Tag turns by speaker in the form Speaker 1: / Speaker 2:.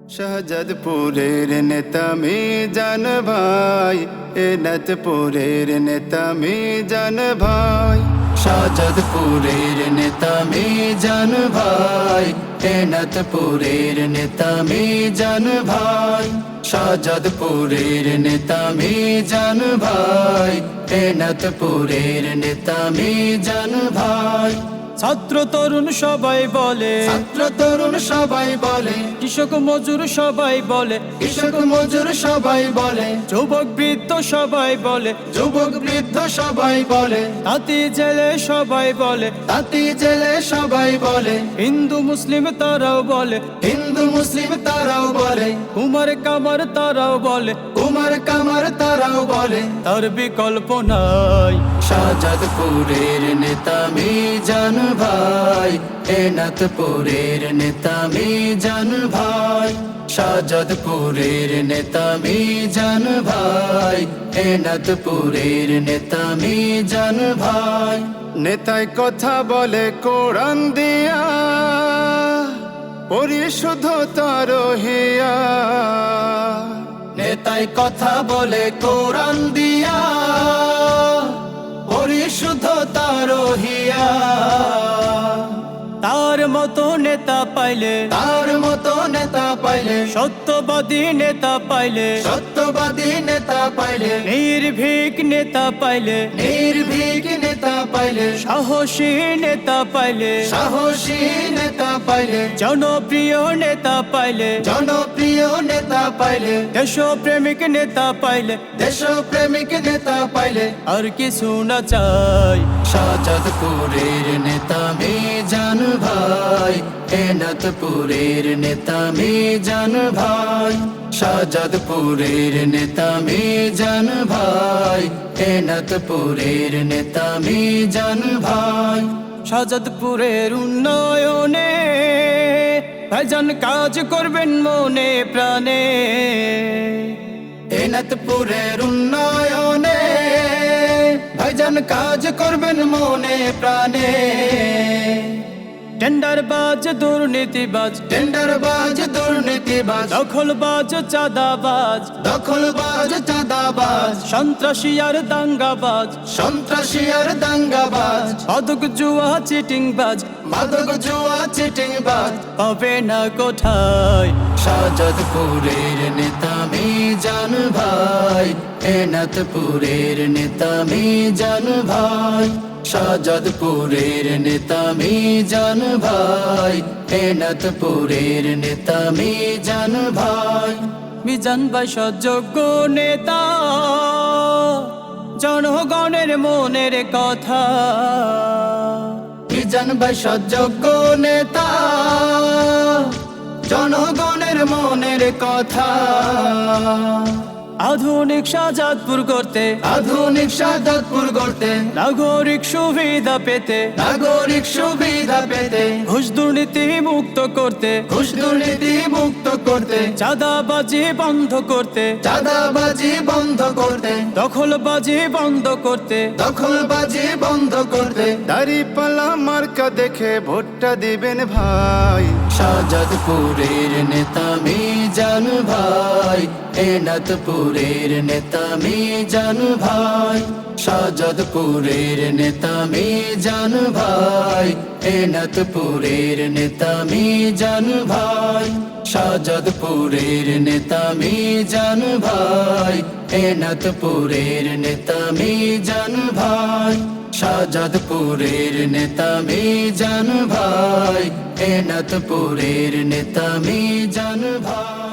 Speaker 1: শাহজাদপুরের নেতা মিজান ভাই, এনাথপুরের নেতা মিজান ভাই। শাহজাদপুরের নেতা মিজান ভাই, এনাথপুরের নেতা মিজান ভাই। শাহজাদপুরের নেতা মিজান ভাই, এনাথপুরের নেতা মিজান ভাই।
Speaker 2: ছাত্র তরুণ সবাই বলে,
Speaker 1: ছাত্র তরুণ সবাই বলে,
Speaker 2: কৃষক মজুর সবাই বলে,
Speaker 1: কৃষক মজুর সবাই বলে,
Speaker 2: যুবক বৃদ্ধ সবাই বলে,
Speaker 1: যুবক বৃদ্ধ সবাই বলে,
Speaker 2: তাঁতি জেলে সবাই বলে,
Speaker 1: তাঁতি জেলে সবাই বলে,
Speaker 2: হিন্দু মুসলিম তারাও বলে,
Speaker 1: হিন্দু মুসলিম তারাও বলে,
Speaker 2: কুমার কামার তারাও বলে,
Speaker 1: কুমার কামার তারাও বলে,
Speaker 2: তার বিকল্প নাই।
Speaker 1: শাহজাদপুরের নেতা মিজান ভাই, এনাথপুরের নেতা মিজান ভাই। শাহজাদপুরের নেতা মিজান ভাই, এনাথপুরের নেতা মিজান ভাই। নেতায় কথা বলে কোরআন দিয়া, পরিশুদ্ধতার হিয়া। নেতায় কথা বলে কোরআন দিয়া, পরিশুদ্ধতার হিয়া।
Speaker 2: তার মতো নেতা পাইলে,
Speaker 1: তার মতো নেতা পাইলে,
Speaker 2: সত্যবাদী নেতা পাইলে,
Speaker 1: সত্যবাদী নেতা পাইলে,
Speaker 2: নির্ভীক নেতা পাইলে,
Speaker 1: নির্ভীক নেতা পাইলে,
Speaker 2: সাহসী নেতা পাইলে,
Speaker 1: সাহসী নেতা পাইলে,
Speaker 2: জনপ্রিয় নেতা পাইলে,
Speaker 1: জনপ্রিয় নেতা পাইলে,
Speaker 2: দেশপ্রেমিক নেতা পাইলে,
Speaker 1: দেশপ্রেমিক নেতা পাইলে,
Speaker 2: আর কিছু না চাই।
Speaker 1: শাহজাদপুরের নেতা মিজান ভাই, এনাথপুরের নেতা মিজান ভাই। শাহজাদপুরের নেতা মিজান ভাই, এনাথপুরের নেতা মিজান ভাই।
Speaker 2: শাহজাদপুরের উন্নয়নে ভাইজান কাজ করবেন মনে প্রাণে,
Speaker 1: এনাথপুরের উন্নয়নে ভাইজান কাজ করবেন মনে প্রাণে।
Speaker 2: টেন্ডারবাজ দুর্নীতিবাজ,
Speaker 1: টেন্ডারবাজ দুর্নীতিবাজ,
Speaker 2: দখলবাজ চাঁদাবাজ,
Speaker 1: দখলবাজ চাঁদাবাজ,
Speaker 2: সন্ত্রাসী আর দাঙ্গাবাজ,
Speaker 1: সন্ত্রাসী আর দাঙ্গাবাজ,
Speaker 2: মাদক জুয়া চিটিংবাজ,
Speaker 1: মাদক জুয়া চিটিংবাজ
Speaker 2: পাবে না কোথায়।
Speaker 1: শাহজাদপুরের নেতা মিজান ভাই, এনাথপুরের নেতা মিজান ভাই। শাহজাদপুরের নেতা মিজান ভাই, এনাথপুরের নেতা মিজান ভাই।
Speaker 2: মিজান ভাই সযোগ্য নেতা, জনগণের মনের কথা।
Speaker 1: মিজান ভাই সযোগ্য নেতা, জনগণের মনের কথা।
Speaker 2: আধুনিক শাহজাদপুর করতে,
Speaker 1: আধুনিক শাহজাদপুর গড়তে,
Speaker 2: নাগরিক সুবিধা পেতে,
Speaker 1: নাগরিক সুবিধা পেতে,
Speaker 2: ঘুষ দুর্নীতি মুক্ত করতে,
Speaker 1: ঘুষ দুর্নীতি মুক্ত করতে,
Speaker 2: চাঁদাবাজি বন্ধ করতে,
Speaker 1: চাঁদাবাজি বন্ধ করতে,
Speaker 2: দখলবাজি বন্ধ করতে,
Speaker 1: দখলবাজি বন্ধ করতে। দাড়িপাল্লা মার্কা দেখে ভোটটা দিবেন ভাই। শাহজাদপুরের নেতা মিজান ভাই, এনাথপুরের নেতা মিজান ভাই। শাহজাদপুরের নেতা মিজান ভাই, এনাথপুরের নেতা মিজান ভাই। শাহজাদপুরের নেতা মিজান ভাই, এনাথপুরের নেতা মিজান ভাই। শাহজাদপুরের নেতা মিজান ভাই, এনাথপুরের নেতা মিজান ভাই।